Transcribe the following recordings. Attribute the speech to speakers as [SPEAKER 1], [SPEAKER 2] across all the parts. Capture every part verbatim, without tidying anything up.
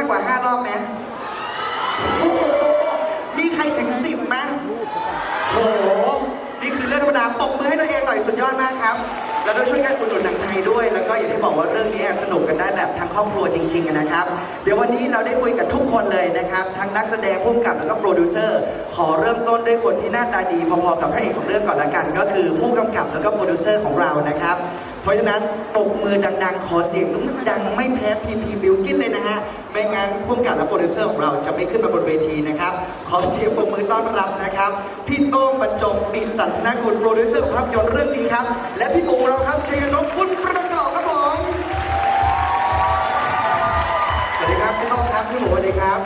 [SPEAKER 1] ากกว่าห้ารอบไหมมีใครถึงสิบไหมโหนี่คือเรื่องธรรมดาปรบมือให้ตัวเองหน่อยสุดยอดมากครับแล้วด้วยช่วยกันอุดหนุนหนังไทยด้วยแล้วก็อย่างที่บอกว่าเรื่องนี้สนุกกันได้แบบทั้งครอบครัวจริงๆนะครับเดี๋ยววันนี้เราได้คุยกับทุกคนเลยนะครับทั้งนักแสดงผู้กำกับแล้วก็โปรดิวเซอร์ขอเริ่มต้นด้วยคนที่หน้าตาดีพอๆกับพระเอกของเรื่องก่อนละกันก็คือผู้กำกับแล้วก็โปรดิวเซอร์ของเรานะครับเพราะฉะนั้นปรบมือดังๆขอเสียงดังไม่แพ้พีพีบิวกินเลยนะฮะไม่งั้นผู้กำกับและโปรดิวเซอร์ของเราจะไม่ขึ้นมาบนเวทีนะครับขอเสียงปรบมือต้อนรับนะครับพี่โต้งบรรจงปิดสันทนาคุณโปรดิวเซอร์ภาพยนตร์เรื่องนี้ครับและพี่ปู่เราครับชัยนพคุณประกอบครับผมสวัสดีครับพี่โต้งครับพี่หมูสวัสดีครับ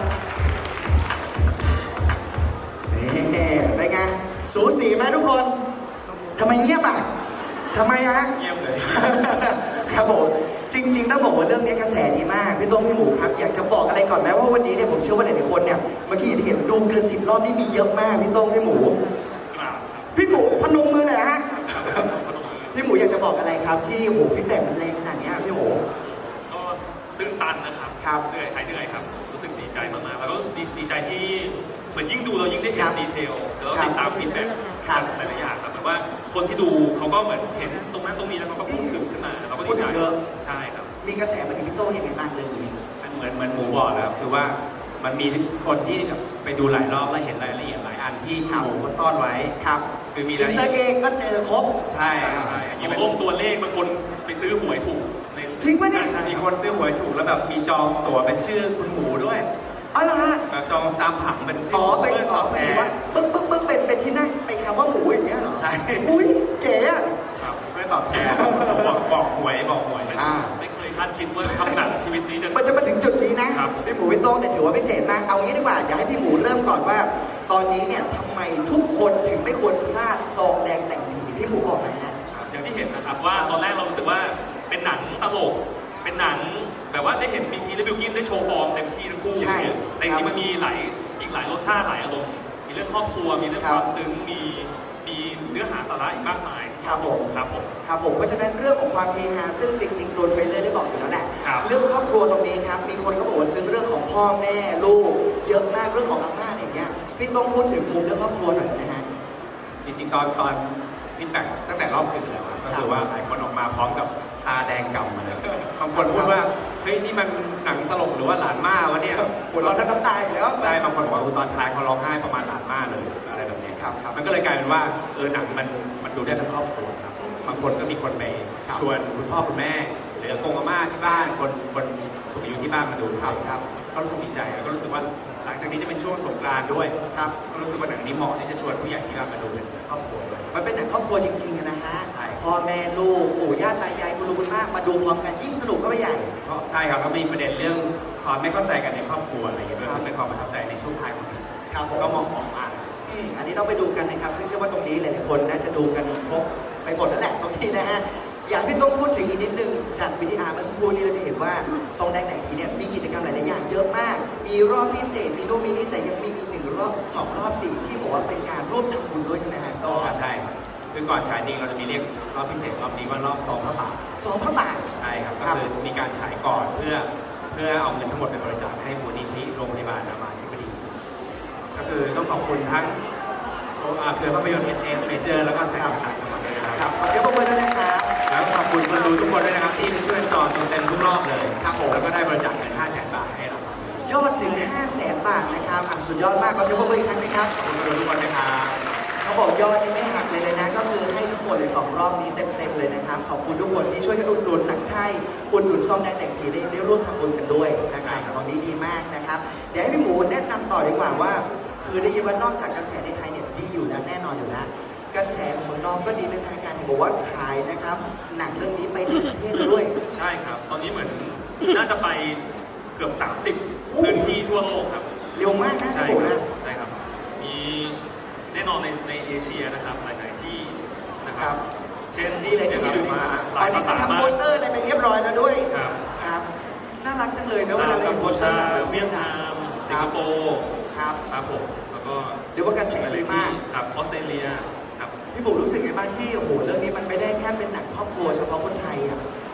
[SPEAKER 1] นี่ไปไงสูสีไหมทุกคนทำไมเงียบอ่ะทำไมอะฮะ
[SPEAKER 2] เงียบเลย
[SPEAKER 1] ครับผมจริงๆต้องบอกว่าเรื่องนี้กระแสดีมากพี่โต้งพี่หมูครับอยากจะบอกอะไรก่อนไหมว่าวันนี้เนี่ยผมเชื่อว่าหลายๆคนเนี่ยเมื่อกี้เห็นดูเกินสิบรอบนี่มีเยอะมากพี่โต้งพี่หมูพี่หมูพนมมือหน่อยฮะพี่หมูอยากจะบอกอะไรครับที่โหฟีดแบ็กมันแรงขนาดนี้พี่หมู
[SPEAKER 2] ก็ตื่นตันนะครับ
[SPEAKER 1] ครับ
[SPEAKER 2] เหนื่อยหายเหนื่อยครับรู้สึกดีใจมากๆแล้วก็ดีใจที่เหมือนยิ่งดูเรายิ่งได้เห็นดีเทลแล้วติดตามฟีดแบ็กหลายๆอย่างครับแบบว่าคนที่ดูเขาก็เหมือนเห็นตรงนั้นตรงนี้แล้วเขาก็พูดถึงขึ้นมาเราก็ดีใจ
[SPEAKER 1] เยอะ
[SPEAKER 2] ใช่ครับ
[SPEAKER 1] มีกระแสมาถึงพี่โต้งยังไงบ้างเลยนี้
[SPEAKER 3] เหมือนเหมือนหมูบอกแล้วคือว่ามันมีคนที่แบบไปดูหลายรอบแล้วเห็นรายละเอียดหลายอันที่หมูก็ซ่อนไว้
[SPEAKER 1] ครับ
[SPEAKER 3] คือมี
[SPEAKER 1] อิสเตอร์เองก็เจอครบ
[SPEAKER 3] ใช่
[SPEAKER 2] ใช่อย่างลงตัวเลขบางคนไปซื้อหวยถูก
[SPEAKER 1] จริงปะเนี่ย
[SPEAKER 3] มีคนซื้อหวยถูกแล้วแบบมีจองตั๋วเป็นชื่อคุณหมูด้วย
[SPEAKER 1] อ๋อเหรอฮะ
[SPEAKER 3] แบบจองตามผังเป็นชื่
[SPEAKER 1] ออ๋อเป็นอ๋อเป็นว่าปึ๊บปึ๊บปึ๊บเป็นเป็นที่นั่งเป็นคำว่าหมูอย่างเงี้ยเหรอ
[SPEAKER 3] ใช่
[SPEAKER 1] อุ้ยเก๋อะ
[SPEAKER 3] ครับเพื่อตอบแทนบอกบอกหวยบอกหวย
[SPEAKER 2] อ่าไม่เคยคาดคิดว่าทำหนังชีวิตนี้จะ
[SPEAKER 1] มันจะมาถึงจุดนี้นะพี่หมูพี่โต้งเนี่ยถือว่าพิเศษมากเอางี้ดีกว่าอยากให้พี่หมูเริ่มก่อนว่าตอนนี้เนี่ยทำไมทุกคนถึงไม่ควรพลาดซองแดงแต่งผีพี่หมูบอกหน่อยนะ
[SPEAKER 2] อย่างที่เห็นนะครับว่าตอนแรกเรารู้สึกว่าเป็นหนังตลกเป็นหนังแบบว่าได้เห็นพีพีและบิวกินได้โชว์ฟอร์มเต็มที่ทั้งคู่แต่จริงๆมันมีหลายอีกหลายรสชาติหลายอารมณ์มีเรื่องครอบครัวมีเรื่องความซึ้งมีมีเนื้อหาสาระอีกมากมาย
[SPEAKER 1] ครับผม
[SPEAKER 2] ครับผม
[SPEAKER 1] ครับผมเพราะฉะนั้นเรื่องของความเฮฮาซึ่งจริงๆตัวเทรลเลอร์ได้บอกอยู่แล้วแหละเรื่องครอบครัวตรงนี้ครับมีคนก็บอกว่าซึ้งเรื่องของพ่อแม่ลูกเยอะมากเรื่องของอาม่าอะไรอย่างเงี้ยพี่ต้องพูดถึงมุมเรื่องครอบครัวหน่อยนะฮะ
[SPEAKER 3] จริงๆตอนตอนฟีดแบ็กตั้งแต่รอบสื่อแล้วก็คือว่าหลายคนออกมาพร้อมกับตาแดงกำมาเลยบางคนพูดว่าเฮ้ยนี่มันหนังตลกหรือว่าหลานม่าวะเนี่ย
[SPEAKER 1] หัวเราะทั้งน้ำตาแล้ว
[SPEAKER 3] ใช่บางคนบอกว่าตอนท้ายเขาร้องไห้ประมาณหลานม่าเลยอะไรแบบนี้ครับมันก็เลยกลายเป็นว่าเออหนังมันมันดูได้ทั้งครอบครัวครับบางคนก็มีคนไปชวนคุณพ่อคุณแม่หรือกงอาม่าที่บ้านคนคนสูงอายุที่บ้านมาดูครับครับก็รู้สึกดีใจแล้วก็รู้สึกว่าหลังจากนี้จะเป็นช่วงสงกรานต์ด้วยครับก็รู้สึกว่าหนังนี้เหมาะที่จะชวนผู้ใหญ่ที่บ้านมาดูเป็นครอบครัวด้วย
[SPEAKER 1] มันเป็นหนังครอบครัวจริงๆนะฮะพ่อแม่ลูกปู่ย่าตายายคุณลุงคุณป้ามาดูพร้อมกันยิ่งสนุกเข้าไปใหญ่
[SPEAKER 3] ใช่ครับก็มีประเด็นเรื่องความไม่เข้าใจกันในครอบครัวอะไรอย่างเงี้ยซึ่งเป็นความประทับใจในช่วงท้ายของนี้
[SPEAKER 1] ครับ
[SPEAKER 3] ก็มองออกมา
[SPEAKER 1] อันนี้ต้องไปดูกันนะครับซึ่งเชื่อว่าตรงนี้หลายๆคนน่าจะดูกันครบไปหมดแล้วแหละตรงนี้นะฮะอยากพี่ต้องพูดถึงอีกนิดนึงจากวิทยาเมื่อสักครู่นี้เราจะเห็นว่าซองแดงแต่งผีเนี่ยมีกิจกรรมหลายๆอย่างเยอะมากมีรอบพิเศษมีโนมินิแต่ยังมีอีกหนึ่งรอบสองรอบสี่ที่บอกว่าเป็นการร่วมทำบุญด้วยใช่ไหมฮะ
[SPEAKER 3] ก็ใช่คือก่อนฉายจริงเราจะมีเรียกรอบพิเศษรอบนี้ว่ารอบซองพระบาท
[SPEAKER 1] ซองพระบาท
[SPEAKER 3] ใช่ครับก็คือมีการฉายก่อนเพื่อเพื่อเอาเงินทั้งหมดไปบริจาคให้มูลนิธิโรงพยาบาลรามาธิบดีก็คือต้องขอบคุณทั้งเครือภาพยนตร์ เอส เอฟ Major แล้วก็สายต่างจังหวัดด้วยนะครับ
[SPEAKER 1] ขอเสียงปรบมือด้วยนะครับ
[SPEAKER 3] แล้วขอบคุณคนดูทุกคนด้วยนะครับที่ช่วยจอจนเต็มทุกรอบเลยครับผมแล้วก็ได้บริจาคเงินห้าแสนบาทให้เรา
[SPEAKER 1] ยอดถึงห้าแสนบาทนะครับสุดยอดมากขอเสียงปรบมืออีกครั้งนะครับ
[SPEAKER 3] ขอบคุณคนดูทุกคนนะครับ
[SPEAKER 1] เขาบอกยอดนี่ไม่หักเลยเลยนะก็คือให้ทั้งหมดเลยสองรอบนี้เต็มๆเลยนะครับขอบคุณทุกคนที่ช่วยกันอุดหนุนหนังไทยอุดหนุนซองแดงแต่งผีได้ร่วมทำบุญกันด้วยนะครับตอนนี้ดีมากนะครับเดี๋ยวให้พี่หมูแนะนำต่อดีกว่าว่าคือได้ยินว่านอกจากกระแสในไทยเนี่ยดีอยู่แล้วแน่นอนอยู่แล้วกระแสของเมืองนอกก็ดีเป็นทางการเห็นบอกว่าขายนะครับหนังเรื่องนี้ไปต่างประเทศด้วย
[SPEAKER 2] ใช่ครับตอนนี้เหมือนน่าจะไปเกือบสามสิบพื้นที่ทั่วโลกครับ
[SPEAKER 1] เร็วมากนะ
[SPEAKER 2] ใช่
[SPEAKER 1] ครับ
[SPEAKER 2] ใช่ครับมีแน่นอนในในเอเชียนะครับหลายๆที่นะครับเช่น
[SPEAKER 1] นี่เลยที่ดูมาตอนนี้ทำโปสเตอร์อะไรไปเรียบร้อยแล้วด้วย
[SPEAKER 2] ครับ
[SPEAKER 1] ครับน่ารักจังเลยนะเวลา
[SPEAKER 2] เราโพสต์เวียดนามสิงคโปร์
[SPEAKER 1] ครับ
[SPEAKER 2] ครับผมแล้วก็
[SPEAKER 1] เรียกว่ากระแสดีมาก
[SPEAKER 2] ครับออสเตรเลียครับ
[SPEAKER 1] พี่บุ๋มรู้สึกไงบ้างที่โอ้โหเรื่องนี้มันไม่ได้แค่เป็นหนังครอบครัวเฉพาะคนไทยอ่ะ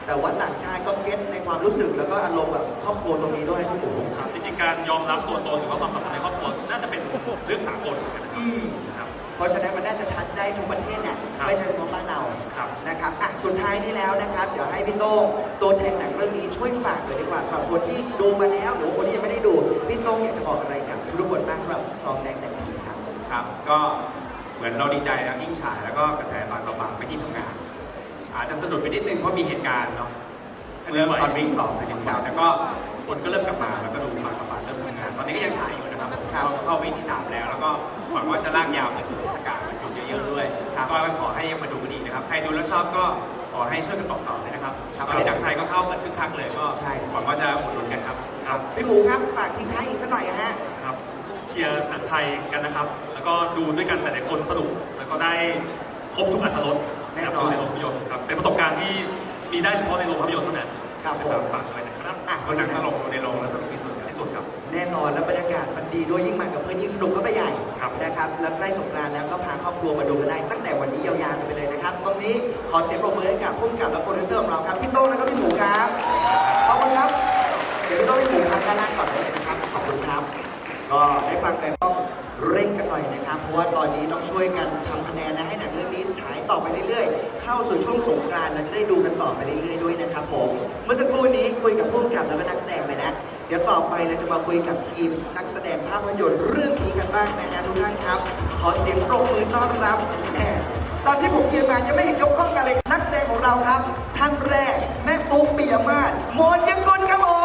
[SPEAKER 1] แต่ว่าต่างชาติก็เก็ตในความรู้สึกแล้วก็อารมณ์แบบครอบครัวตรงนี้ด้วยพี่หมู
[SPEAKER 2] ครับจริงๆการยอมรับตัวตนหรือว่าความสัมพันธ์ในครอบครัวน่าจะเป็นเรื่องสากลเหมือนกันนะครับ
[SPEAKER 1] อืม
[SPEAKER 2] ครับ
[SPEAKER 1] เพราะฉะนั้นมันน่าจะทัชได้ทุกประเทศแหละ
[SPEAKER 2] ครับ
[SPEAKER 1] ไม่ใช่เฉพาะบ้านเรา
[SPEAKER 2] ครับ
[SPEAKER 1] นะครับอ่ะสุดท้ายนี้แล้วนะครับ เดี๋ยวให้พี่โต้งตัวแทนหนังเรื่องนี้ช่วยฝากเลยดีกว่าสำหรับคนที่ดูมาแล้วหรือว่าคนที่ยังไม่ได้ดูพี่โต้งอยากจะบอกอะไรกับทุกคนบ้างสำหรับซองแดงแต่งผีครับ
[SPEAKER 3] ครับ ก็เหมือนเราดีใจนะยิ่งฉายแล้วก็กระแสปากต่อปากไม่ที่ทำงาน อาจจะสะดุดไปนิดนึงเพราะมีเหตุการณ์เนาะเริ่มตอนวิ่งสองไปนิดนึงแต่ก็คนก็เริ่มกลับมาแล้วก็ดูปากต่อปากเริ่มทำงาน ตอนนี้ก็ยังฉายอยู่นะครับผม
[SPEAKER 1] ครับ
[SPEAKER 3] เข้าเข้าวีคที่สามแล้วแล้วก็หวังว่าจะลากยาวไปสู่เทศกาลวันหยุดเยอะๆด้วย
[SPEAKER 1] ครับ
[SPEAKER 3] ก็ขอให้ยังมาดูกันดีนะครับใครดูแล้วชอบก็ขอให้ช่วยกันบอกต่อเลยนะครับ
[SPEAKER 1] ครับ
[SPEAKER 3] ตอนนี้หนังไทยก็เข้ากันคึกคักเลยก็
[SPEAKER 1] ใช่
[SPEAKER 3] หวังว่าจะอุดหนุนกันครับ
[SPEAKER 2] ครับ
[SPEAKER 1] พี่หมูครับฝากทิ้งท้ายอีกสักหน่อยนะฮะ
[SPEAKER 2] ครับเชียร์หนังไทยกันนะครับ แล้วก็ดูด้วยกันหลายๆคนสนุกแล้วก็ได้ครบทุกอรรถรส
[SPEAKER 1] แน่นอน
[SPEAKER 2] กับดูในโรงภาพยนตร์ครับเป็นประสบการณ์ที่มีได้เฉพาะในโรงภาพยนตร์เท่านั้น
[SPEAKER 1] ครับผม
[SPEAKER 2] ฝากด้วยนะครับ
[SPEAKER 1] อ่ะ
[SPEAKER 3] ก็หนังตลกดูในโรงแล้วสนุกที่สุดครับ
[SPEAKER 2] ที่สุดครับ
[SPEAKER 1] แน่นอนแล้วบรรยากาศมันดีด้วยยิ่งมากับเพื่อนยิ่งสนุกก็ไปใหญ่
[SPEAKER 2] ครับ
[SPEAKER 1] นะครับแล้วใกล้สงกรานต์แล้วก็พาครอบครัวมาดูกันได้ตั้งแต่วันนี้ยาวๆกันไปเลยนะครับตรงนี้ขอเสียงปรบมือให้กับผู้กำกับและโปรดิวเซอร์ของเราครับพี่โต้งและก็พี่หมูครับขอบคุณครับเดี๋ยวพี่โต้งพี่หมูพักด้านล่างก่อนเลยนะครับขอบคุณครับ ก็ได้ฟังกันต้องเร่งกันหน่อยนะครับเพราะว่าตอนนี้ต้องช่วยกันทำคะแนนนะให้หนังเรื่องนี้ฉายต่อไปเรื่อยๆ เข้าสู่ช่วงสงกรานต์เราจะได้ดูกันต่อไปเรื่อยๆด้วยนะครับผมเมื่อสักครู่นี้คุยกับผู้กำกับแล้วก็นักแสดงไปแล้ว เดี๋ยวต่อไปเราจะมาคุยกับทีมนักแสดงภาพยนตร์เรื่องนี้กันบ้างนะฮะทุกท่านครับ ขอเสียงปรบมือต้อนรับแหมตอนที่ผมยืนมายังไม่เห็นยกข้องกันเลยนักแสดงของเราครับท่านแรกแม่ปุ๊กปิยมาศโมนยังกุลครับผม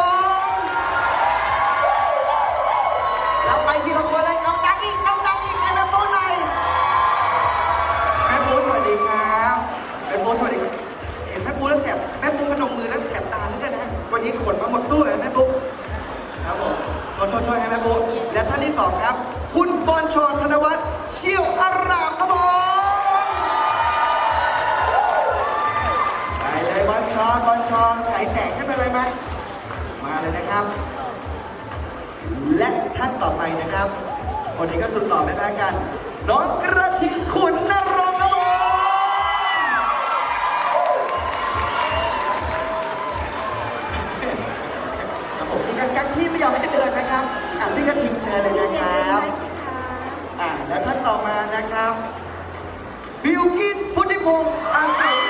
[SPEAKER 1] เราไปทีละคนเลยเอาดังอีกเอาดังอีกให้แม่ปุ๊กหน่อยแม่ปุ๊กสวัสดีครับแม่ปุ๊กสวัสดีครับเห็นแม่ปุ๊กแล้วแสบแม่ปุ๊กพนมมือแล้วแสบตาเหลือเกินนะวันนี้ขนมาหมดตู้เลยแม่ปุ๊กครับผมขอโทษๆให้แม่ปุ๊กและท่านที่สองครับคุณบอลชรธนวัฒน์เชี่ยวอารามครับผมไปเลยบอลชรบอลชรฉายแสงขึ้นไปเลยไหมมาเลยนะครับ และท่านต่อไปนะครับคนนี้ก็สุดหล่อไม่แพ้กันน้องกระทิงขุนนรงค์ครับผมครับผมนี่กักกักที่ไม่ยอมให้เดินนะครับอ่ะพี่กระทิงเชิญเลยนะครับอ่ะและท่านต่อมานะครับบิวกินพุทธิพงศ์อาสม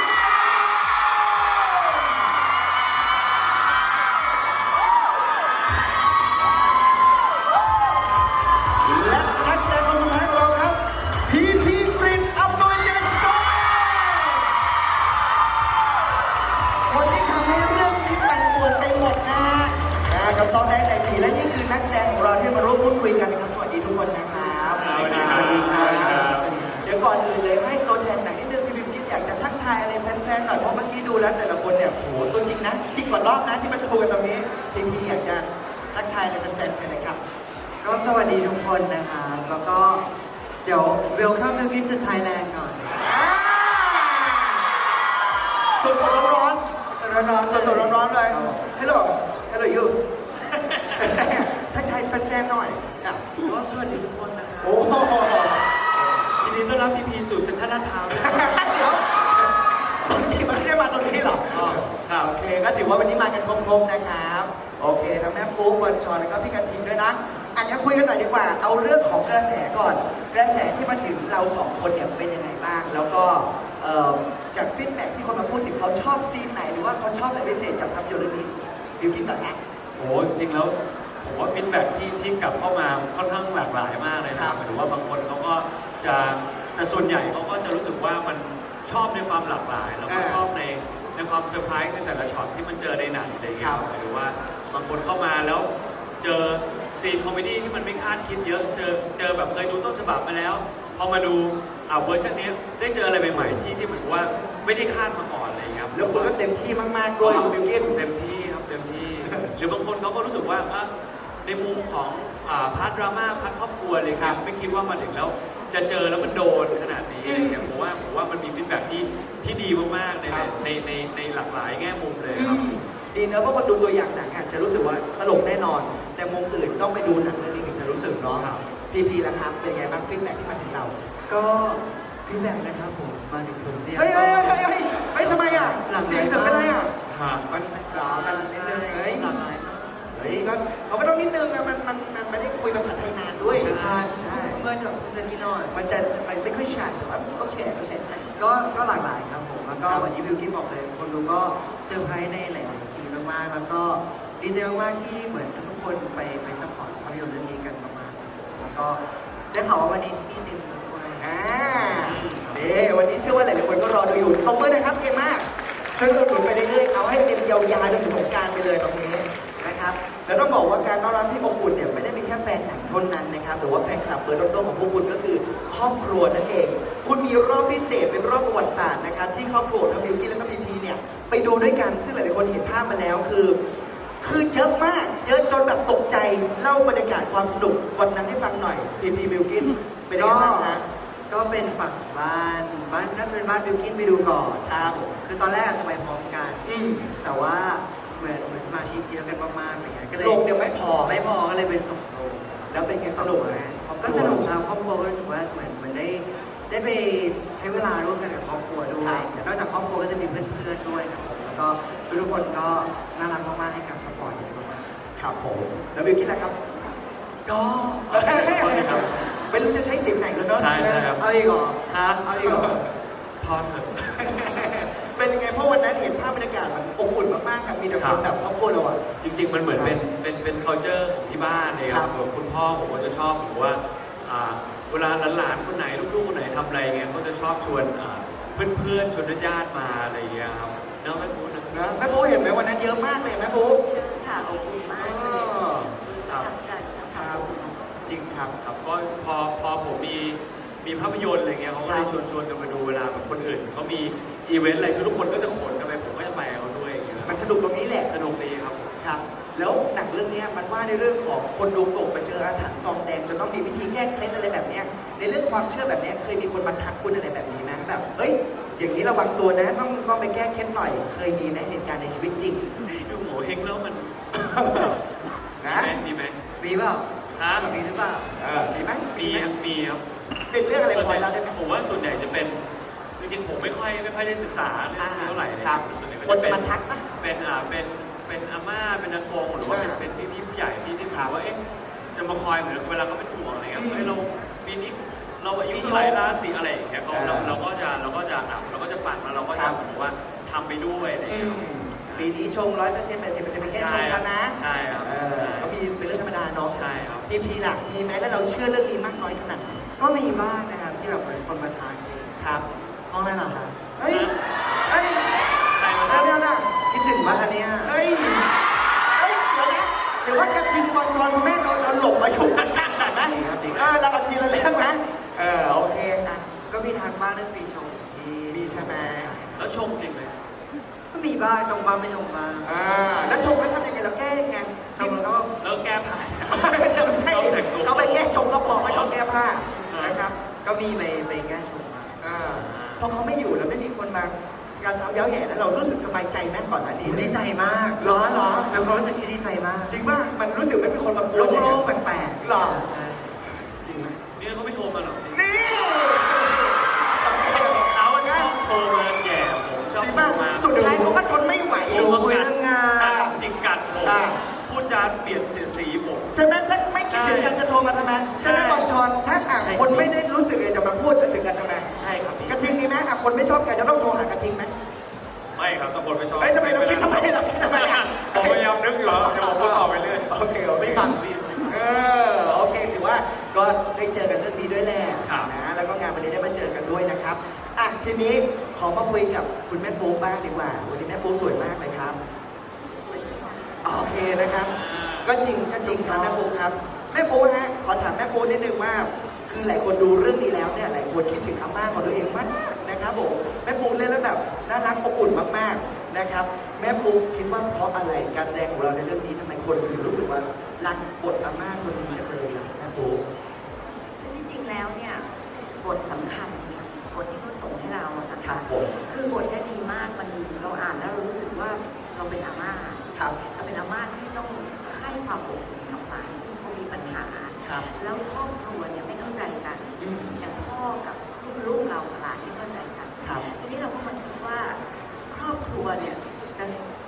[SPEAKER 1] และนักแสดงคนสุดท้ายของเราครับพีพีกรินอับดุลเดชโกคนที่ทำให้เรื่องนี้ปั่นป่วนไปหมดนะฮะอ่ากับซองแดงแต่งผีและนี่คือนักแสดงของเราที่มาร่วมพูดคุยกันนะครับสวัสดีทุกคนนะครับ
[SPEAKER 2] สวัสดีครับ
[SPEAKER 1] สวัสดีครับเดี๋ยวก่อนอื่นเลยให้ตัวแทนหนังนิดนึงพี่บิมกิฟอยากจะทักทายอะไรแฟนๆหน่อยเพราะเมื่อกี้ดูแล้วแต่ละคนเนี่ยโหตัวจริงนะสิบกว่ารอบนะที่มาดูกันตรงนี้พีพีอยากจะทักทายอะไรแฟนๆเชิญเลยครับ
[SPEAKER 4] ก็สวัสดีทุกคนนะคะแล้วก็เดี๋ยว Welcome to Gift to Thailand ก่อน
[SPEAKER 1] สดสดร้อนร้อน
[SPEAKER 4] ร้อนๆ
[SPEAKER 1] สดสดร้อนร้อนๆเลย Hello Hello you ทักทายแฟนๆหน่อยอ่ะ
[SPEAKER 4] ก็สวัสดีทุกคนนะคะ
[SPEAKER 1] โอ้โห
[SPEAKER 4] ยินดีต้อนรับพีพีสู่เซ็นทรัลลาดพร้าวด้วย
[SPEAKER 1] เดี๋ยวที่มันไม่ได้มาตรงนี้หรอ
[SPEAKER 4] อ๋อครับ
[SPEAKER 1] โอเคก็ถือว่าวันนี้มากันครบๆนะครับ โอเคทั้งแม่ปุ๊กวันชอนแล้วก็พี่กระทิงด้วยนะอาจจะคุยกันหน่อยดีกว่า เอาเรื่องของกระแสก่อน กระแสที่มาถึงเราสองคนเนี่ยเป็นยังไงบ้าง แล้วก็เอ่อจากฟีดแบ็กที่คนมาพูดถึงเขาชอบซีนไหน หรือว่าเขาชอบอะไรพิเศษจากภาพยนตร์เรื่องนี้บิวกินก่อนนะ
[SPEAKER 5] โอ้จริงแล้วผมว่าฟีดแบ็กที่ที่กลับเข้ามาค่อนข้างหลากหลายมากเลยนะครับหมายถึงว่าบางคนเขาก็จะแต่ส่วนใหญ่เขาก็จะรู้สึกว่ามันชอบในความหลากหลาย แล้วก็
[SPEAKER 1] อ่า
[SPEAKER 5] ชอบในในความเซอร์ไพรส์ในแต่ละช็อตที่มันเจอในหนังอะไรอย่างเงี้ย
[SPEAKER 1] ครับ
[SPEAKER 5] หมายถึงว่าบางคนเข้ามาแล้วเจอซีนคอมเมดี้ที่มันไม่คาดคิดเยอะเจอเจอแบบเคยดูต้นฉบับมาแล้วพอมาดูอ่าเวอร์ชันนี้ได้เจออะไรใหม่ๆที่ที่เหมือนว่าไม่ได้คาดมาก่อนอะไรอย่างเงี้ยครับ
[SPEAKER 1] แล้วคุณก็เต็มที่มากๆด้วยคุณบิวกิน
[SPEAKER 5] เต็มที่ครับเต็มที่ หรือบางคนเขาก็รู้สึกว่าอ่ะในมุมของอ่าพาร์ทดราม่าพาร์ทครอบครัวเลยครับไม่คิดว่ามาถึงแล้วจะเจอแล้วมันโดนขนาดนี้อะไรเงี้ยผมว่าผมว่ามันมีฟีดแบ็กที่ที่ดีมากๆใน
[SPEAKER 1] ครับ
[SPEAKER 5] ในในในหลากหลายแง่มุมเลย
[SPEAKER 1] อื
[SPEAKER 5] ครับ
[SPEAKER 1] มดีเนอะเพราะคนดูตัวอย่างหนังอาจจะรู้สึกว่าตลกแน่นอน แต่มุมอื่นต้องไปดูหนังเรื่องนี้ถึงจะรู้สึกเนาะ
[SPEAKER 5] ครับ
[SPEAKER 1] พีพีแล้วครับเป็นไงบ้างฟีดแบ็กที่มาถึงเรา
[SPEAKER 4] ก็ฟีดแบ็กนะครับผมมาถึงผมเนี่ย
[SPEAKER 1] เฮ้ยเฮ้ยเฮ้ยเฮ้ยเฮ้ยทำไมอ่ะ
[SPEAKER 4] หลากหลาย
[SPEAKER 1] เสียงเสริมเป็นไรอ่ะ
[SPEAKER 4] ฮ
[SPEAKER 2] ครับ
[SPEAKER 1] มันหรอมันนิดนึงเฮ้ย
[SPEAKER 4] หลากหลายมาก
[SPEAKER 1] เฮ้ยก็เขาก็ต้องนิดนึงอะมันมันมันไม่ได้คุยภาษาไทยนานด้วย
[SPEAKER 4] ใช่
[SPEAKER 1] ใช่
[SPEAKER 4] เมื่อกับคุณเจนนี่หน่อย
[SPEAKER 1] มันจะมันไม่ค่อยชัดแต่ว่าโอเคเข้าใจได้
[SPEAKER 4] ก็ก็หลากหลายครับผม แล้วก็
[SPEAKER 1] ครับ
[SPEAKER 4] วันนี้บิวกิ้นบอกเลย คนดูก็เซอร์ไพรส์ในหลายๆซีนมากๆ แล้วก็ดีใจมากๆที่เหมือนทุกคนไปไปซัพพอร์ตภาพยนตร์เรื่องนี้กันมากๆแล้วก็ได้ข่าวว่าวันนี้ที่นี่เต็มเลยด้วย
[SPEAKER 1] อ่าเด้วันนี้เชื่อว่าหลายๆคนก็รอดูอยู่ตบมือนะครับเก่งมากช่วยอุดหนุนไปเรื่อยๆเอาให้เต็มยาวๆจนถึงสงกรานต์ไปเลยตรงนี้นะครับแล้วต้องบอกว่าการต้อนรับที่อบอุ่นเนี่ยไม่ได้มีแค่แฟนหนังเท่านั้นนะครับหรือว่าแฟนคลับเบอร์ต้นๆของพวกคุณก็คือครอบครัวนั่นเอง คุณมีรอบพิเศษเป็นรอบประวัติศาสตร์นะครับที่ครอบครัวทั้งบิวกิ้นและก็พีพีเนี่ยไปดูด้วยกันซึ่งหลายๆคนเห็นภาพมาแล้วคือ คือเยอะมากเยอะจนแบบตกใจเล่าบรรยากาศความสนุกวันนั้นให้ฟังหน่อยพีพีบิวกิ้นเป็นยังไงบ้างฮะ
[SPEAKER 4] ก็เป็นฝั่งบ้านบ้านน่าจะเป็นบ้านบิวกิ้นไปดูก่อน
[SPEAKER 1] ครับ
[SPEAKER 4] คือตอนแรกอาจจะไปพร้อมกัน
[SPEAKER 1] อืม
[SPEAKER 4] แต่ว่าเหมือนเหมือนสมาชิกเยอะกันมากๆอะไรเงี้ยก็เลย
[SPEAKER 1] โรงเดียวไม่พอ
[SPEAKER 4] ไม่พอก็เลยเป็นสองโรง
[SPEAKER 1] แล้วเป็นไงสนุกไหม
[SPEAKER 4] ก็สนุกครับครอบครัวก็รู้สึกว่าเหมือนเหมือนได้ได้ไปใช้เวลาร่วมกันกับครอบครัวด้วยแต่นอกจากครอบครัวก็จะมีเพื่อนๆด้วยครับผมแล้วก็ทุกคนก็น่ารักมากๆให้การสปอร์ตเยอะมาก
[SPEAKER 1] ครับผมแล้วบิวกิ้นล่ะครับ
[SPEAKER 5] ก็
[SPEAKER 1] ไม่รู้จะใช้เสียงไหนแล้วเนาะ
[SPEAKER 5] ใช่ใช่ครับ
[SPEAKER 4] เอาอีกเหรอ
[SPEAKER 5] ฮะ
[SPEAKER 4] เอาอีกเหรอ
[SPEAKER 5] พอเถอะ
[SPEAKER 1] เป็นยังไงเพราะวันนั้นเห็นภาพบรรยากาศมันอบอุ่นมากๆครับมีแต่ค
[SPEAKER 5] ครั
[SPEAKER 1] น
[SPEAKER 5] บ
[SPEAKER 1] แบบครอบครัวเราอะ
[SPEAKER 5] จริง ๆ มันเหมือนเป็นเป็นเป็น culture ของที่บ้านเลยค
[SPEAKER 1] ครั
[SPEAKER 5] รับบ แบบคุณพ่อผมก็จะชอบหรือว่าอ่าเวลาหลานๆคนไหนลูกๆคนไหนทำอะไรเงี้ยเขาจะชอบชวนอ่าเพื่อนๆชวนญาติๆมาอะไรเงี้ยครับเนาะแม่พูดนะ
[SPEAKER 1] นะแม่โบเห็นไหมวันนั้นเยอะมากเลยแม่โบ
[SPEAKER 6] ค่ะอบอุ่นมาก
[SPEAKER 1] อ๋
[SPEAKER 6] เลย
[SPEAKER 1] อ
[SPEAKER 6] ประทับใจนะ
[SPEAKER 1] ครั
[SPEAKER 6] คะ
[SPEAKER 1] บ
[SPEAKER 5] จริงครับครับก็พอพอผมมีมีภาพยนตร์อะไรเงี้ยเขาก็เลยชวนชวนกันมาดูเวลาแบบคนอื่นเขามีอีเวนต์อะไรทุกคนก็จะขนกันไปผมก็จะไปกับเขาด้วยอย่างเงี้ย
[SPEAKER 1] มันสนุกตรงนี้แหละ
[SPEAKER 5] สนุกดีครับ
[SPEAKER 1] ครับ แล้วหนังเรื่องเนี้ยมันว่าในเรื่องของคนดวงตกไปเจออาถรรพ์ซองแดงจนต้องมีวิธีแก้เคล็ดอะไรแบบเนี้ยในเรื่องความเชื่อแบบเนี้ยเคยมีคนมาทักคุณอะไรแบบนี้ไหมแบบเฮ้ยอย่างนี้ระวังตัวนะต้องต้องไปแก้เคล็ดหน่อย เคยมีไหมเหตุการณ์ในชีวิตจริง
[SPEAKER 5] ดูโหเฮงแล้วมัน
[SPEAKER 1] นะ
[SPEAKER 5] มีไหม
[SPEAKER 4] มีเปล่า
[SPEAKER 5] ฮะ
[SPEAKER 4] มีหรือเปล่า
[SPEAKER 1] เออมีไหม
[SPEAKER 5] มีครับมีครับ
[SPEAKER 1] เป็นเรื่องอะไรพอแล้วได้ไหม
[SPEAKER 5] ผมว่าส่วนใหญ่จะเป็นจริงๆผมไม่ค่อยไม่ค่อยได้ศึกษาเรื่องนี้เท่าไหร่เลย
[SPEAKER 1] ครับ
[SPEAKER 5] ส่วนใหญ่
[SPEAKER 1] คนจะ
[SPEAKER 5] เป็
[SPEAKER 1] มาทักปะ
[SPEAKER 5] เป็นอ่าเป็นเป็นอาม่าเป็นอากงหรือว่าเป็น
[SPEAKER 1] อ่า
[SPEAKER 5] เป็นพี่พี่ผู้ใหญ่ที่ที่
[SPEAKER 1] ครั
[SPEAKER 5] ถาม
[SPEAKER 1] บ
[SPEAKER 5] ว่าเอ๊ะจะมาคอยเหมือนเวลาเขาเป็นห่วงอะไรเงี้ย
[SPEAKER 1] อืม
[SPEAKER 5] เฮ้ยเราปีนี้เราอายุ
[SPEAKER 1] มี
[SPEAKER 5] เท่าไหร่
[SPEAKER 1] โชค
[SPEAKER 5] ราศีอะไรอย่างเงี้ยเขา
[SPEAKER 1] เออ
[SPEAKER 5] เราเราก็จะเราก็จะอ่ะเราก็จะฟังแล้วเราก็
[SPEAKER 1] ครั
[SPEAKER 5] จะ
[SPEAKER 1] บ
[SPEAKER 5] เหมือนว่าทำไปด้วยอะไร
[SPEAKER 1] อื
[SPEAKER 5] เงี้ย
[SPEAKER 1] มปีนี้ชงร้อยเปอร์เซ็นต์แปดสิบเปอร์เซ็นต์เป็นแค่ชงซะนะ
[SPEAKER 5] ใช่ครับ
[SPEAKER 1] เออก็มีเป็นเรื่องธรรมดาเนาะ
[SPEAKER 5] ใช่ครับ
[SPEAKER 1] พีพีหลักมีไหมแล้วเราเชื่อเรื่องนี้มากน้อยขนาดไหน
[SPEAKER 4] ก็มีบ้างนะครับที่แบบเหมือนคนมาทานเอง
[SPEAKER 1] ครับ
[SPEAKER 4] ห้องนั้นเหรอคะ
[SPEAKER 1] เฮ้ยเฮ้ย
[SPEAKER 5] ใครมา
[SPEAKER 1] เดี๋ยว
[SPEAKER 5] ทำ
[SPEAKER 1] เดี๋ยวนะ
[SPEAKER 4] คิดถึงบ้านเนี่ย
[SPEAKER 1] เฮ้ยเฮ้ยเดี๋ยวนะเดี๋ยวว่ากระทิงบอลชอนคุณแม่เราเราหลบมาชุมข้างๆกันนะเออเราเอาทีละเรื่องนะเออโอเคอ่ะ
[SPEAKER 4] ก็มีทางบ้านเรื่องปีชงที่
[SPEAKER 1] มีใช่ไหม
[SPEAKER 5] แล้วชมจริงไหม
[SPEAKER 4] ก็มีบ้างชงบ้างไม่ชงบ้าง
[SPEAKER 1] อ่าแล้วชงแล้วทำยังไงเราแก้ยังไง
[SPEAKER 4] ชงแล้วก็
[SPEAKER 5] แล้วแก้ผ้า
[SPEAKER 1] ไม่ใช่ไม่ใช่เขาไปแก้ชงแล้วบอกไม่ต้องแก้ผ้านะครับ
[SPEAKER 4] ก็มีไปไปแก้ชงมา
[SPEAKER 1] อ่าพอเขาไม่อยู่แล้วไม่มีคนมาการเช้าเย้าแย่แล้วเรารู้สึกสบายใจไหมก่อนหน้านี้
[SPEAKER 4] ดีใจมาก
[SPEAKER 1] เหรอเหรอ
[SPEAKER 4] เป็นความรู้สึกที่ดีใจมาก
[SPEAKER 1] จริงป่ะมันรู้สึกไม่มีคนมากวน
[SPEAKER 4] โล่
[SPEAKER 1] อย่าง
[SPEAKER 4] ง
[SPEAKER 1] เงี้ย
[SPEAKER 4] ๆแปลกๆ
[SPEAKER 1] หรอ
[SPEAKER 4] ใช่
[SPEAKER 1] จริงไหม
[SPEAKER 5] นี่เขาไม่โทรมาหรอก
[SPEAKER 1] นี่
[SPEAKER 5] เขาชอบโทรมาแย่ผมชอบ
[SPEAKER 1] จริง
[SPEAKER 5] โทร
[SPEAKER 1] ป่ะ
[SPEAKER 5] มา
[SPEAKER 1] สุดท้ายเขาก็ทนไม่ไหว
[SPEAKER 4] ดูคุยเรื่องงาน
[SPEAKER 5] จริงกัดผม
[SPEAKER 1] อ่า
[SPEAKER 5] พูดจาเปลี่ยนเสียดสีผม
[SPEAKER 1] ใช่ไหมถ้าไม่คิดถึงกันจะโทรมาทำไมใช่ไหมบอลชอนถ้าอ่ะคนไม่ได้รู้สึกเลยจะมาพูดถึงกันทำไม
[SPEAKER 5] ใช่ครับพี่
[SPEAKER 1] กระทิงมีไหมอ่ะคนไม่ชอบกันจะต้องโทรหากระทิงไหม
[SPEAKER 3] ไม่ครับทุกคนไม่ชอบ
[SPEAKER 1] เอ้ยทำไมเราคิดทำไมเราคิดทำไมอ่ะ
[SPEAKER 3] ผมพยายามนึกอยู่แล้วเดี๋ยวผมก็ตอบไปเรื่อย
[SPEAKER 1] โอเคโอเค
[SPEAKER 5] ไม่ฟังพี่
[SPEAKER 1] เออโอเคถือว่าก็ได้เจอกันเรื่องนี้ด้วยแหละ
[SPEAKER 5] ครับ
[SPEAKER 1] นะแล้วก็งานวันนี้ได้มาเจอกันด้วยนะครับอ่ะทีนี้ขอมาคุยกับคุณแม่ปูบ้างดีกว่า วันนี้แม่ปูสวยมากเลยครับโอเคนะครับ ก็จริงก็จริงครับแม่ปูครับแม่ปูฮะขอถามแม่ปูนิดนึงว่า คือหลายคนดูเรื่องนี้แล้วเนี่ยหลายคนคิดถึงอาม่าของตัวเองมากนะครับผมแม่ปูเล่นแล้วแบบน่ารักอบอุ่นมากๆนะครับ แม่ปูคิดว่าเพราะอะไรการแสดงของเราในเรื่องนี้ทำไมคนถึงรู้สึกว่ารักบทอาม่าคนนี้จังเลยนะแม่ปู
[SPEAKER 6] จริงๆ แล้วเนี่ยบทสำคัญเนี่ยบทที่เขาส่งให้เราอะนะ
[SPEAKER 1] ครั
[SPEAKER 6] คะ
[SPEAKER 1] บผม
[SPEAKER 6] คือบทเนี่ยดีมากมันเราอ่านแล้วเรารู้สึกว่าเราเป็นอาม่า
[SPEAKER 1] ครับ
[SPEAKER 6] เราเป็นอาม่าที่ต้องให้ความอบอุ่นกับหลานซึ่งเขามีปัญหา
[SPEAKER 1] ครับ
[SPEAKER 6] แล้วครอบครัวเนี่ยไม่เข้าใจกัน
[SPEAKER 1] อืม
[SPEAKER 6] อย่างพ่อกับลูกเรากับหลานไม่เข้าใจกัน
[SPEAKER 1] ครับ
[SPEAKER 6] ทีนี้เราก็มาคิดว่าครอบครัวเนี่ยจะถ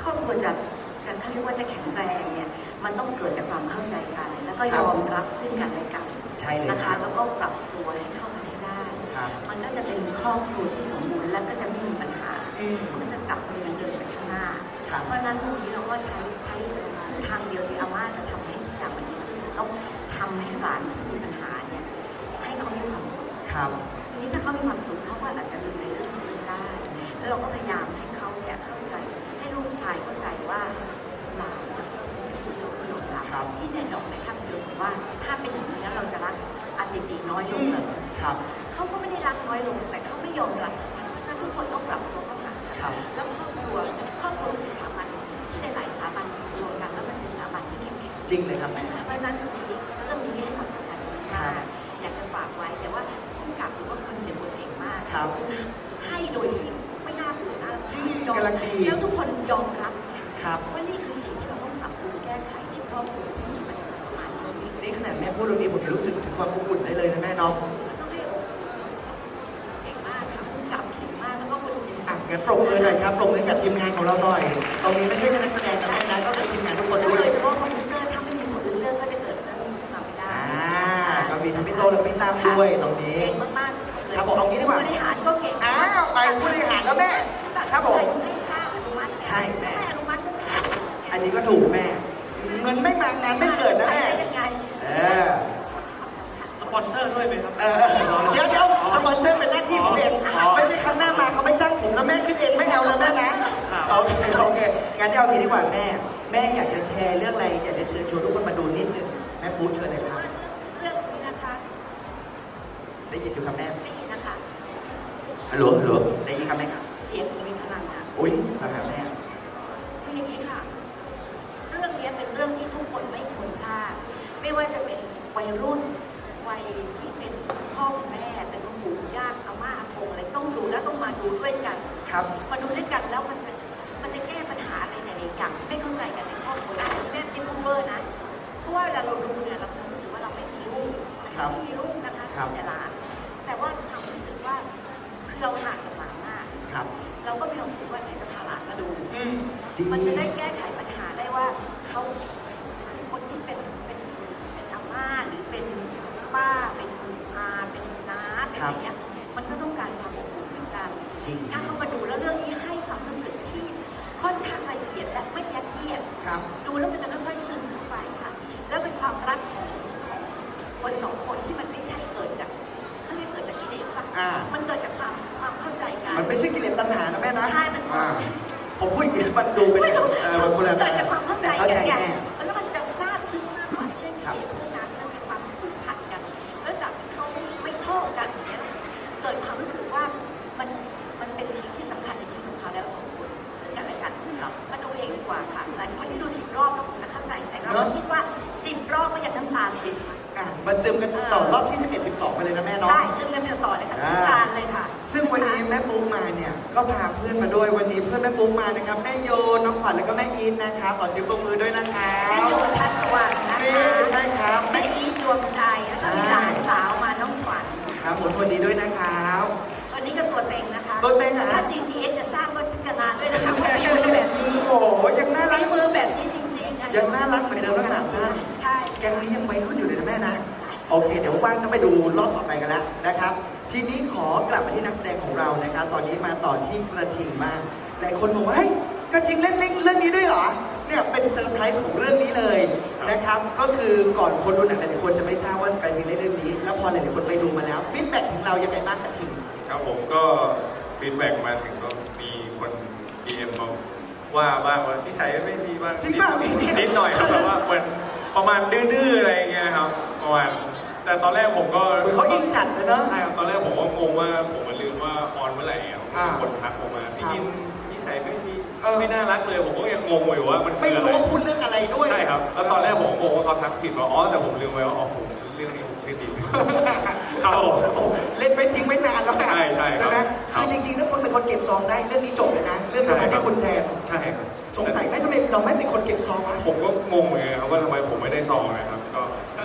[SPEAKER 6] ครอบครัวจะจะเขาเรียกว่าจะแข็งแรงเนี่ยมันต้องเกิดจากความเข้าใจกัน แล้วก็ยอมรับซึ่งกันและกัน
[SPEAKER 1] ใช่เลย
[SPEAKER 6] นะ
[SPEAKER 1] ครั
[SPEAKER 6] คะ
[SPEAKER 1] บ
[SPEAKER 6] แล้วก็ปรับตัวให้เข้ากันให้ได้
[SPEAKER 1] ครับ
[SPEAKER 6] มันก็จะเป็นครอบครัวที่สมบูรณ์และก็จะไม่มีปัญหา
[SPEAKER 1] อืม
[SPEAKER 6] มันก็จะจับมือเดินไปข้างหน้า
[SPEAKER 1] ครับ
[SPEAKER 6] เพราะฉะนั้นตรงนี้เราก็ใช้ใช้ทางเดียวที่อาม่าจะทำให้ทุกอย่างมันดีขึ้นคือต้องทำให้หลานที่มีปัญหาเนี่ยให้เขามีความสุข
[SPEAKER 1] ครับ
[SPEAKER 6] ทีนี้ถ้าเขามีความสุขเขาก็อาจจะลืมในเรื่องอื่นได้ แล้วเราก็พยายามให้เขาเนี่ยเข้าใจ ให้ลูกชายเข้าใจว่าหลานเนี่ยเขาเป็นผู้ยอมยอมรับ
[SPEAKER 1] ครับ
[SPEAKER 6] ที่เนี่ยดอกในภาพยนตร์บอกว่าถ้าเป็นอย่างนี้แล้วเราจะรักอติติน้อยลงเลย
[SPEAKER 1] ครับ
[SPEAKER 6] เขาก็ไม่ได้รักน้อยลง แต่เขาไม่ยอมรับเพราะฉะนั้นทุกคนต้องปรับตัวเข้าหากัน
[SPEAKER 1] ครับ
[SPEAKER 6] แล้วครอบครัวครอบครัวคือสถาบันที่หลายๆสถาบันรวมกันแล้วมันเป็นสถาบันที่เข้มแข็ง
[SPEAKER 1] จริงเลยครับแม่
[SPEAKER 6] เพราะฉะนั้นตรงนี้เรื่องนี้ให้ความสำคัญมากอยากจะฝากไว้แต่ว่าผู้กำกับหรือว่าคนเขียนบทเก่งมาก
[SPEAKER 1] ครับ
[SPEAKER 6] ให้โดยที่ไม่น่าเบื่อน่ารำคาญ
[SPEAKER 1] อืม
[SPEAKER 6] ยอม
[SPEAKER 1] กำลังดี
[SPEAKER 6] แล้วทุกคนยอมรับ
[SPEAKER 1] ครับ
[SPEAKER 6] ว่านี่คือสิ่งที่เราต้องปรับปรุงแก้ไขในครอบครัวที่มีปัญหาประมาณนี้
[SPEAKER 1] นี่ขนาดแม่พูดตรงนี้ผมยังรู้สึกถึงความอบอุ่นได้เลยนะแม่เนาะ
[SPEAKER 6] มันต้องให้อกเก่งมากค่ะผู้กำกับเก่งมากแล้วก็คนเขียน
[SPEAKER 1] อ่ะงั้นปรบมือหน่อยครับปรบมือให้กับทีมงานของเราหน่อย ตรงนี้ไม่ใช่แค่นักแสดงนะแม่นะก็คือทีมงานทุกคน
[SPEAKER 6] แล้ว
[SPEAKER 1] ด้วย
[SPEAKER 6] โดยเฉพาะโปรดิวเซอร์ถ้าไม่มีโปรดิวเซอร์ก็จะเกิดเรื่องนี้ขึ้นมาไม่ได้
[SPEAKER 1] อ่าก็มีทั้งพี่โตและพี่ตามด้วยตรงนี้
[SPEAKER 6] เก่งมากๆเลย
[SPEAKER 1] ครับผมเอางี้ดีกว่า
[SPEAKER 6] ผู้บริหารก็เก่ง
[SPEAKER 1] อ้าวไปผู้บริหารแล้วแม่ ครับผม
[SPEAKER 6] ให้ทราบอนุมัติ
[SPEAKER 1] ใช่แม่
[SPEAKER 6] แม่อนุมัติก็ไม่ได้
[SPEAKER 1] อันนี้ก็ถูกแม่ เงินไม่มางานไม่เกิดนะแม่
[SPEAKER 6] ไปได้ยังไง
[SPEAKER 1] เออ
[SPEAKER 6] ความสำคัญ
[SPEAKER 5] สปอนเซอร์ด้วยไหมครับ
[SPEAKER 1] เออเดี๋ยวเดี๋ยวสปอนเซอร์เป็นหน้าที่ผมเองไม่ใช่ครั้งหน้ามาเขาไม่จ้างผมแล้วแม่ขึ้นเองไม่เอาแล้วแม่นะโอเคโอเคงั้นเอางี้ดีกว่าแม่ แม่อยากจะแชร์เรื่องอะไรอยากจะเชิญชวนทุกคนมาดูนิดนึงแม่ปูเชิญเลยครับ
[SPEAKER 6] เรื่องนี้นะคะ
[SPEAKER 1] ได้ยินอยู่ครับแม่
[SPEAKER 6] ได้ยินนะคะ
[SPEAKER 1] ฮัลโหลฮัลโหลได้ยินครับแม่ครับ
[SPEAKER 6] เสียงมีพลังอ่ะ
[SPEAKER 1] อุ้ยนะครับแม่
[SPEAKER 6] คืออย่างนี้ค่ะ เรื่องนี้เป็นเรื่องที่ทุกคนไม่ควรพลาดไม่ว่าจะเป็นวัยรุ่นวัยที่เป็นพ่อคุณแม่เป็นคุณปู่คุณย่าอาม่าอากงอะไรต้องดูแล้วต้องมาดูด้วยกัน
[SPEAKER 1] ครับ
[SPEAKER 6] มาดูด้วยกันแล้วมันจะมันจะแก้ปัญหาอะไรหลายๆอย่างที่ไม่เข้าใจกันในครอบครัวได้แม่เป็นพูดเบอร์นะเพราะว่าเวลาเราดูเนี่ยเรารู้สึกว่าเราไม่มีลูก
[SPEAKER 1] ครับ
[SPEAKER 6] ไม่มีลูกนะคะ
[SPEAKER 1] ครับ
[SPEAKER 6] แต่หลานแต่ว่าความรู้สึกว่าคือเราห่างกับหลานมาก
[SPEAKER 1] ครับ
[SPEAKER 6] เราก็มีความรู้สึกว่าเดี๋ยวจะพาหลานมาดู
[SPEAKER 1] ดี
[SPEAKER 6] มันจะได้แก้ไขปัญหาได้ว่าเขาคือคนที่เป็นเป็นเป็นอาม่าหรือเป็นป้าเป็นอาเป็นน้าเป็นอะไรเงี้ยมันก็ต้องการความอบอุ่นเหมือนกัน
[SPEAKER 1] จริง
[SPEAKER 6] ถ้าเขามาดูแล้วเรื่องนี้ให้ความรู้สึกที่ค่อนข้างละเอียดและไม่ยัดเยียด
[SPEAKER 1] ครับ
[SPEAKER 6] ดูแล้วมันจะค่อยๆซึมเข้าไปค่ะ แล้วเป็นความรักของของคนสองคนที่มันไม่ใช่เกิดจากเขาเรียกเกิดจากกิเลสป่ะ
[SPEAKER 1] อ่า
[SPEAKER 6] มันเกิดจากความความเข้าใจกัน
[SPEAKER 1] มันไม่ใช่กิเลสตัณหานะแม่นะ
[SPEAKER 6] ใช่มัน
[SPEAKER 1] อ่าผมพูดอย่างนี้มันดูเป็น
[SPEAKER 6] ไม่รู้
[SPEAKER 1] เออคนละ
[SPEAKER 6] เกิดจากความเข้าใจ
[SPEAKER 1] เข้า
[SPEAKER 6] กั
[SPEAKER 1] ใจ
[SPEAKER 6] นไง
[SPEAKER 1] แน่
[SPEAKER 6] แล้วมันจะซาบซึ้งมากกว่าเรื่อง
[SPEAKER 1] ครับ
[SPEAKER 6] ที่พวกนั้นมันมีความผูกพันกัน แล้วจากที่เขาไม่ชอบกันอย่างเงี้ยนะคะเกิดความรู้สึกว่ามันมันเป็นสิ่งที่สำคัญในชีวิตของเขาแล้วสองคนซึ่งกันและกัน
[SPEAKER 1] ครับ
[SPEAKER 6] มาดูเองดีกว่าค่ะหลายคนที่ดูสิบรอบก็คงจะเข้าใจแต่เราคิดว่าสิบรอบก็ยังน้ำตาซึม
[SPEAKER 1] อ่ะมาซึมกันต่อรอบที่สิบเอ็ด สิบสองไปเลยนะแม่เนาะ
[SPEAKER 6] ได้ซึ่งเล่นต่อเลยค่ะซึ่งการเลยค่ะ
[SPEAKER 1] ซึ่งวันนี้แม่ปุ๊กมาเนี่ยก็พาเพื่อนมาด้วยวันนี้เพื่อนแม่ปุ๊กมานะครับแม่โยน้องขวัญแล้วก็แม่อีทนะคะขอเสียงปรบมือด้วยนะคะ
[SPEAKER 6] แม่โยนทัศวรรณนะ
[SPEAKER 1] นี่
[SPEAKER 6] คะ
[SPEAKER 1] ใช่ครับ
[SPEAKER 6] แม่อีทดวงใจแล้วก็มีหลานสาวมาน้องขวัญ
[SPEAKER 1] ครับผมสวัสดีด้วยนะครับ
[SPEAKER 6] วันนี้ก็ตัวเต็งนะคะ
[SPEAKER 1] ตัวเต็งเหรอ
[SPEAKER 6] ถ้า ดี จี เอส จะสร้างก็พิจารณาด้วยนะคะเพราะมีมือแบบนี้
[SPEAKER 1] โอ้โหยังน่ารัก
[SPEAKER 6] มีมือแบบนี้จริงๆนะ
[SPEAKER 1] ยังน่ารักเหมือนเดิมทั้งสามท่าน
[SPEAKER 6] ใช่
[SPEAKER 1] แกงนี้ยังวัยรุ่นอยู่เลยนะแม่นะ โอเค เดี๋ยวว่างก็ไปดูรอบต่อไปกันแล้วนะครับ ทีนี้ขอกลับมาที่นักแสดงของเรานะครับ ตอนนี้มาต่อที่กระทิงบ้างหลายคนบอกว่าเฮ้ยกระทิงเล่นเล่นเรื่องนี้ด้วยเหรอ เนี่ยเป็นเซอร์ไพรส์ของเรื่องนี้เลยนะครับ ก็คือก่อนคนดูหนังหลายๆคนจะไม่ทราบว่ากระทิงเล่นเรื่องนี้ แล้วพอหลายๆคนไปดูมาแล้วฟีดแบ็กถึงเรายังไงบ้างกระทิง
[SPEAKER 3] ครับผมก็ฟีดแบ็กมาถึงก็มีคนดีเอ็มมาว่าบ้างว่านิสัยไม่ดีบ้าง
[SPEAKER 1] จริงป่ะมีเนี่ย
[SPEAKER 3] นิดหน่อยครับแบบว่าเหมือนประมาณดื้อๆอะไรอย่างเงี้ยครับประมาณแต่ตอนแรกผมก็
[SPEAKER 1] เหมือนเขาอินจัดเลยเนอะ
[SPEAKER 3] ใช่ครับตอนแรกผมก็งงว่าผมมันลืมว่าออนเมื่อไหร่อ่ะ
[SPEAKER 1] อ่า
[SPEAKER 3] มีคนทักผมมาพี่ยินนิสัยไม่ดี
[SPEAKER 1] เออ
[SPEAKER 3] ไม่น่ารักเลยผมก็ยังงงอยู่ว่ามัน
[SPEAKER 1] ไม่
[SPEAKER 3] คืออะ
[SPEAKER 1] รู้
[SPEAKER 3] ไร
[SPEAKER 1] ว่าพูดเรื่องอะไรด้วย
[SPEAKER 3] ใช่ครับแล้วตอนแรกผมก็งงว่าเขาทักผิดว่าอ๋อแต่ผมลืมไปว่าอ๋อผมเรื่องนี้ผมชื่อดีครับผม
[SPEAKER 1] โอ้เล่นไปทิ้งไม่นานแล้วนะ
[SPEAKER 3] ใช่ใช่ครับ
[SPEAKER 1] ไหม
[SPEAKER 3] ครับ
[SPEAKER 1] คือจริงๆถ้าคนเป็นคนเก็บซองได้เรื่องนี้จบเลยนะ เรื่องนั้นได้คุณแทน
[SPEAKER 3] ใช่ครับ
[SPEAKER 1] สงสัยไหมทำไมเราไม่เป็นคนเก็บซองวะ
[SPEAKER 3] ผมก็งงเหมือนกันครับว่าทำไมผมไม่ได้ซองนะครับก็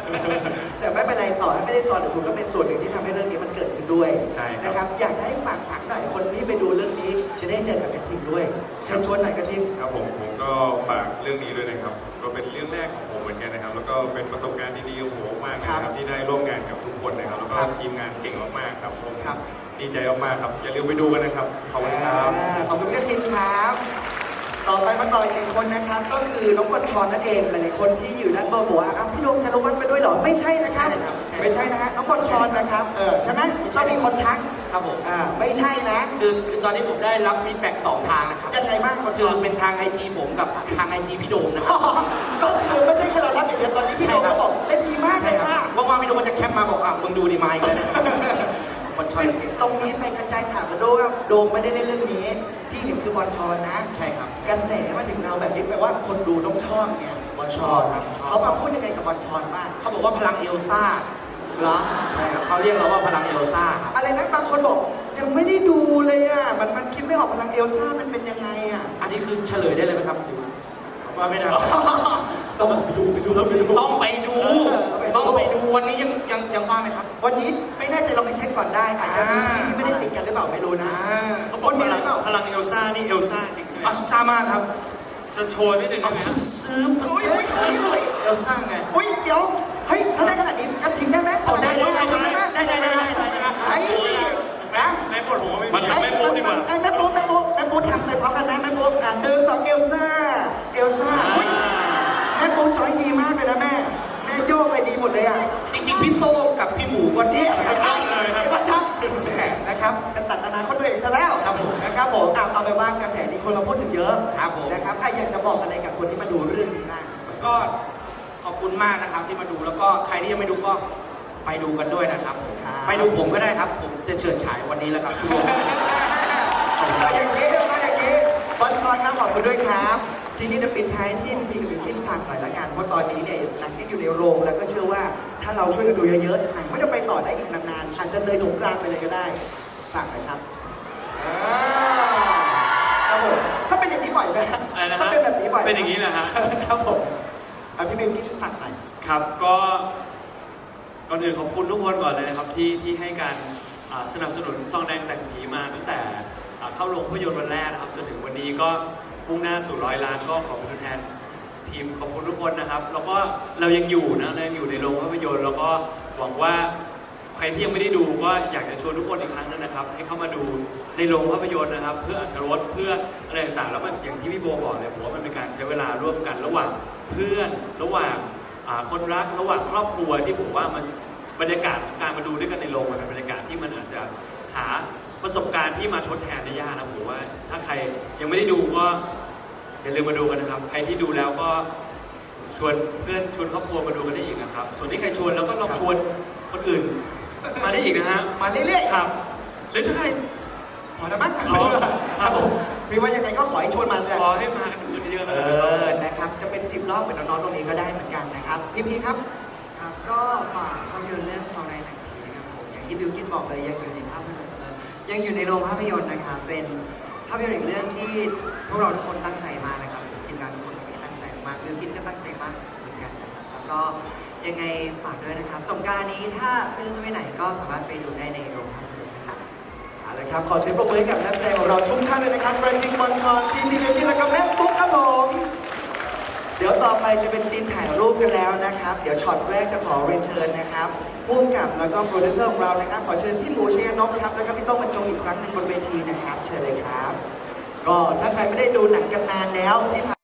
[SPEAKER 1] แต่ไม่เป็นไรต่อให้ไม่ได้ซ้อนแต่คุณก็เป็นส่วนหนึ่งที่ทำให้เรื่องนี้มันเกิดขึ้นด้วย
[SPEAKER 3] ใช่ครับ
[SPEAKER 1] นะครับอยากให้ฝากฝังหน่อยคนที่ไปดูเรื่องนี้จะได้เจอกับกระทิงด้วยเชิญชวนหน่อยกระทิง
[SPEAKER 7] ครับผมผมก็ฝากเรื่องนี้ด้วยนะครับ ก็เป็นเรื่องแรกของผมเหมือนกันนะครับ แล้วก็เป็นประสบการณ์ดีๆของผมมากนะครับที่ได้ร่วมงานกับทุกคนนะครับ แล้วก็
[SPEAKER 1] ครับ
[SPEAKER 7] ทีมงานเก่งมากๆครับผม
[SPEAKER 1] ครับ
[SPEAKER 7] ดีใจมากๆครับ อย่าลืมไปดูกันนะครับ ขอบคุณครับ
[SPEAKER 1] อ่าขอบคุณกระทิงครับ ต่อไปมาต่ออีกหนึ่งคนนะครับ ก็คือน้องบอลชอนนั่นเองหลายๆคนที่อยู่ด้านบนบอกว่าอ้าวพี่โดมจะลงวัดไปด้วยเหรอไม่ใช่นะครับ
[SPEAKER 4] ใช่ครับใช่
[SPEAKER 1] ไม่ใช่นะฮะน้องบอลชอนนะครับเออใช่ไหมชอบมีคนทัก
[SPEAKER 8] ครับผม
[SPEAKER 1] อ่าไม่ใช่นะ
[SPEAKER 8] คือคือตอนนี้ผมได้รับฟีดแบ็กสองทางนะครับ
[SPEAKER 1] ยังไงบ้างบอลช
[SPEAKER 8] คือ
[SPEAKER 1] อน
[SPEAKER 8] เป็นทางไอจีผมกับทางไอจีพี่โดมนะค
[SPEAKER 1] อ๋
[SPEAKER 8] รั
[SPEAKER 1] อบ ก็คือไม่ใช่แค่เรารับอย่างเดียวตอนนี้พี่โดมก็บอกเล่นดีมากเลยค่ะ
[SPEAKER 8] ว่างๆพี่โดมก็จะแคปมาบอกอ่ะมึงดูดีมาอีกแล้วบอลชอน
[SPEAKER 1] ซึ่งตรงนี้ไปกระจายข่าวกันด้วยว่าโดมไม่ได้เล่นเรื่องนี้ ที่เห็นคือบอลชอนนะ
[SPEAKER 8] ใช่ครับ
[SPEAKER 1] กระแสมาถึงเราแบบนี้แปลว่าคนดูต้องชอบไงบอลชอน
[SPEAKER 8] ครับชอบ
[SPEAKER 1] เขามาพูดยังไงกับบอลชอนบ้าง
[SPEAKER 8] เขาบอกว่าพลังเอลซ่า
[SPEAKER 1] เหรอ
[SPEAKER 8] ใช่ครับเขาเรียกเราว่าพลังเอลซ่าครับ
[SPEAKER 1] อะไรนะบางคนบอกยังไม่ได้ดูเลยอ่ะมันมันคิดไม่ออกพลังเอลซ่ามันเป็นยังไงอ่ะ
[SPEAKER 8] อันนี้คือเฉลยได้เลยไหมครับหรือว่าไม่ได้
[SPEAKER 1] ต้องไปดูไปดูต้องไปดู
[SPEAKER 8] ต้องไปดู
[SPEAKER 1] เออ
[SPEAKER 8] ต้องไปดูวันนี้ยังยังยังว่างไหมครับ
[SPEAKER 1] วันนี้ไม่แน่ใจลองไปเช็คก่อนได้ อาจจะมีที่ที่ไม่ได้ติดกันหรือเปล่าไม่รู้นะ
[SPEAKER 8] อ่า
[SPEAKER 5] เขาบ
[SPEAKER 1] ค
[SPEAKER 5] อก
[SPEAKER 1] นมี
[SPEAKER 5] พ
[SPEAKER 1] อะไร
[SPEAKER 5] ลัง
[SPEAKER 1] เปล่า
[SPEAKER 5] พลังเอลซ่านี่เอลซ่าจริงไหม
[SPEAKER 8] อัสซามากครับ
[SPEAKER 5] จะโชว์นิดนึง
[SPEAKER 8] เอา
[SPEAKER 5] นะ
[SPEAKER 8] ซื้อซื้อ
[SPEAKER 1] อุ้ยอุ้ยอุ้ยอุ้ย
[SPEAKER 8] เอลซ่าไง
[SPEAKER 1] อุ้ยเดี๋ยวเฮ้ยถ้าได้ขนาดนี้กระถิ่นได้ไหม
[SPEAKER 8] เอาได้ได้ได้
[SPEAKER 1] ทำได้ไหม
[SPEAKER 8] ได้ได้ได้ได้ได้ได้
[SPEAKER 1] ไอ้นะ
[SPEAKER 7] ในบทผมก็ไม่
[SPEAKER 5] มัน
[SPEAKER 7] มี
[SPEAKER 5] ทำให้โป๊ะดีกว่า
[SPEAKER 1] ไอ้แม่ปุ๊บแม่ปุ๊บแม่ปุ๊บทำไปพร้อมกันไหมแม่ปุ๊บอ่ะหนึ่งสองเอลซ่าเอลซ่าอุ้ยแม่ปุ๊บจอยดีมากเลยนะแม่แม่โยกอะไรดีหมดเลยอ่ะ
[SPEAKER 8] จริงๆพี่โต้งกับพี่หมูก็ดี
[SPEAKER 1] นี่ใช่ไอ้บ้าชักแหมนะครับจะตัดอนาคตตัวเองซะแล้ว
[SPEAKER 8] ครับผม
[SPEAKER 1] นะครับผมอ่ะเอาไปว่ากระแสนี้คนมาพูดถึงเยอะ
[SPEAKER 8] ครับผม
[SPEAKER 1] นะครับอ่ะอยากจะบอกอะไรกับคนที่มาดูเรื่องนี้บ้าง
[SPEAKER 8] ก็ขอบคุณมากนะครับที่มาดูแล้วก็ใครที่ยังไม่ดูก็ไปดูกันด้วยนะครับ
[SPEAKER 1] ครับ
[SPEAKER 8] ไปดูผมก็ได้ครับ ผมจะเฉิดฉายวันนี้แล้วครับทุกคน
[SPEAKER 1] เราอย่างนี้เราอย่างนี้บอลชอนครับขอบคุณด้วยครับ ทีนี้จะปิดท้ายที่พี่กับพี่คิดฝากหน่อยละกันเพราะตอนนี้เนี่ยหนังยังอยู่ในโรงแล้วก็เชื่อว่าถ้าเราช่วยกันดูเยอะๆหนังก็จะไปต่อได้อีกนานๆอาจจะเลยสงกรานต์ไปเลยก็ได้ฝากหน่อยครับอ่าครับผมถ้าเป็นอย่างนี้บ่อยไหม
[SPEAKER 5] อะไรนะ
[SPEAKER 1] ถ้า
[SPEAKER 5] ฮะ
[SPEAKER 1] เป็นแบบนี้บ่อยไหม
[SPEAKER 5] เป็นอย่างนี้แหละฮะ
[SPEAKER 1] ครับผมเอาพี่บิวคิดฝากหน่อย
[SPEAKER 5] ครับก็ก่อนอื่นขอบคุณทุกคนก่อนเลยนะครับที่ที่ให้การอ่าสนับสนุนซองแดงแต่งผีมาตั้งแต่อ่าเข้าโรงภาพยนตร์วันแรกนะครับจนถึงวันนี้ก็มุ่งหน้าสู่ร้อยล้านก็ขอเป็นตัวแทนทีมขอบคุณทุกคนนะครับ แล้วก็เรายังอยู่นะเรายังอยู่ในโรงภาพยนตร์แล้วก็หวังว่าใครที่ยังไม่ได้ดูก็อยากจะชวนทุกคนอีกครั้งนึงนะครับ ให้เข้ามาดูในโรงภาพยนตร์นะครับ เพื่ออรรถรสเพื่ออะไรต่างๆแล้วมันอย่างที่พี่โบบอกเลยผมว่ามันเป็นการใช้เวลาร่วมกันระหว่างเพื่อนระหว่างอ่าคนรักระหว่างครอบครัวที่ผมว่ามันบรรยากาศของการมาดูด้วยกันในโรงมันเป็นบรรยากาศที่มันอาจจะหาประสบการณ์ที่มาทดแทนได้ยากนะผมว่าถ้าใครยังไม่ได้ดูก็อย่าลืมมาดูกันนะครับ ใครที่ดูแล้วก็ชวนเพื่อนชวนครอบครัวมาดูกันได้อีกนะครับ ส่วนที่ใครชวนแล้วก็ลองชวนคนอื่นมาได้อีกนะฮะ
[SPEAKER 1] มาเรื่อยๆ
[SPEAKER 5] ครับหรือถ้าใคร
[SPEAKER 1] พอแล้วมั้ง
[SPEAKER 5] อ๋อ
[SPEAKER 1] ครับผมพี่ว่ายังไงก็ขอให้ชวนมาเลย
[SPEAKER 5] ขอให้มากันอื่นเยอะๆ
[SPEAKER 1] เอ
[SPEAKER 5] นะ
[SPEAKER 1] อนะครับ จะเป็นสิบรอบเหมือนน้องๆตรงนี้ก็ได้เหมือนกันนะครับ พี่พีครับ
[SPEAKER 4] ครับก็ฝากภาพยนตร์เรื่องซองในหนังผีนะครับผมอย่างที่บิวกินบอกเลยยังอยู่ในภาพยนตร์เอ่อยังอยู่ในโรงภาพยนตร์นะครับเป็นภาพยนตร์อีกเรื่องที่พวกเราทุกคนตั้งใจมากนะครับทีมงานทุกคนก็ตั้งใจมากบิวกินก็ตั้งใจมากเหมือนกันนะครับแล้วก็ยังไงฝากด้วยนะครับสงกรานต์นี้ถ้าไม่รู้จะไปไหนก็สามารถไปดูได้ในโรงภาพยนตร์นะครับ
[SPEAKER 1] เอาละครับ ขอเสียงปรบมือให้กับนักแสดงของเราทุกท่านเลยนะครับกระทิงบอลชอนทีมพีเมนี่และก็แม่ปุ๊กครับผม เดี๋ยวต่อไปจะเป็นซีนถ่ายรูปกันแล้วนะครับ เดี๋ยวช็อตแรกจะขอเรียนเชิญนะครับผู้กำกับแล้วก็โปรดิวเซอร์ของเรานะครับ ขอเชิญพี่หมูชัยนพครับ แล้วก็พี่โต้งบรรจงอีกครั้งหนึ่งบนเวทีนะครับ เชิญเลยครับ ก็ถ้าใครไม่ได้ดูหนังกันนานแล้วที่